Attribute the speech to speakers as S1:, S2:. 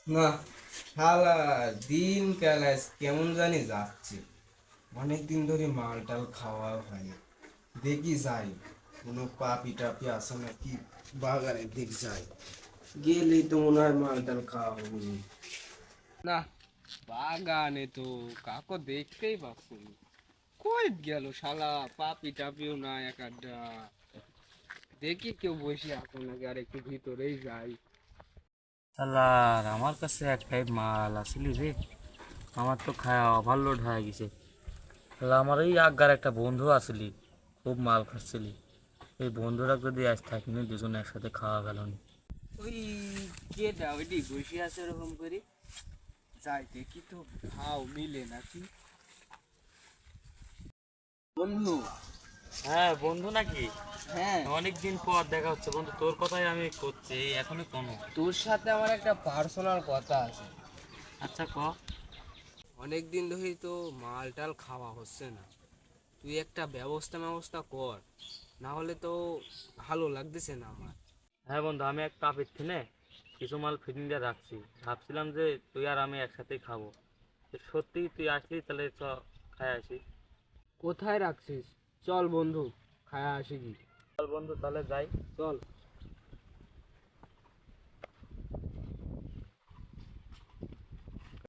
S1: না, শালা দিন কাল আজ কেমন জানি যাচ্ছে। অনেকদিন ধরে মাল টাল খাওয়া হয় না। দেখি যাই, কোনো পাপি টাপি আছে নাকি বাগানের দিক যাই, গেলেই তো মনে হয় মাল টাল খাওয়া হবে। না, বাগানে তো কাকো দেখতেই পাচ্ছি না। কই গেল শালা, পাপি টাপিও না এক আড্ডা। দেখি কেউ বসে আছে নাকি, আর একটু ভিতরেই যাই।
S2: শালার আমার কাছে একটাই মাল আসলি রে। আমার তো খায়া ওভারলোড হয়ে গেছে। শালা আমার এই আগার একটা বন্ধু আসলি, খুব মাল খাচ্ছিলি। এই বন্ধুরা যদি আজ থাকিনি দুজনে একসাথে খাওয়া গেল না।
S1: ওই কেটা ওইটি বসে আছে ওরকম করে, যাই দেখি তো ভাও মিলে নাকি। বন্ধু।
S2: হ্যাঁ বন্ধু নাকি?
S1: হ্যাঁ,
S2: অনেক দিন পর দেখা হচ্ছে বন্ধু, তোর কথাই আমি করছি এই এখনই কোনো।
S1: তোর সাথে আমার একটা পার্সোনাল কথা আছে।
S2: আচ্ছা ক।
S1: অনেক দিন ধরেই তো মাল টাল খাওয়া হচ্ছে না। তুই একটা ব্যবস্থা কর, না হলে তো ভালো লাগতেছে না আমার।
S2: হ্যাঁ বন্ধু, আমি এক কাপের থিনে কিছু মাল ফিটিং দিয়ে রাখছি। ভাবছিলাম যে তুই আর আমি একসাথেই খাবো। তো সত্যি তুই আসলি তাহলে চ খাই আসি।
S1: কোথায় রাখছিস? চল বন্ধু, খায়া আসি কি।
S2: চল বন্ধু তাহলে যাই।
S1: চল।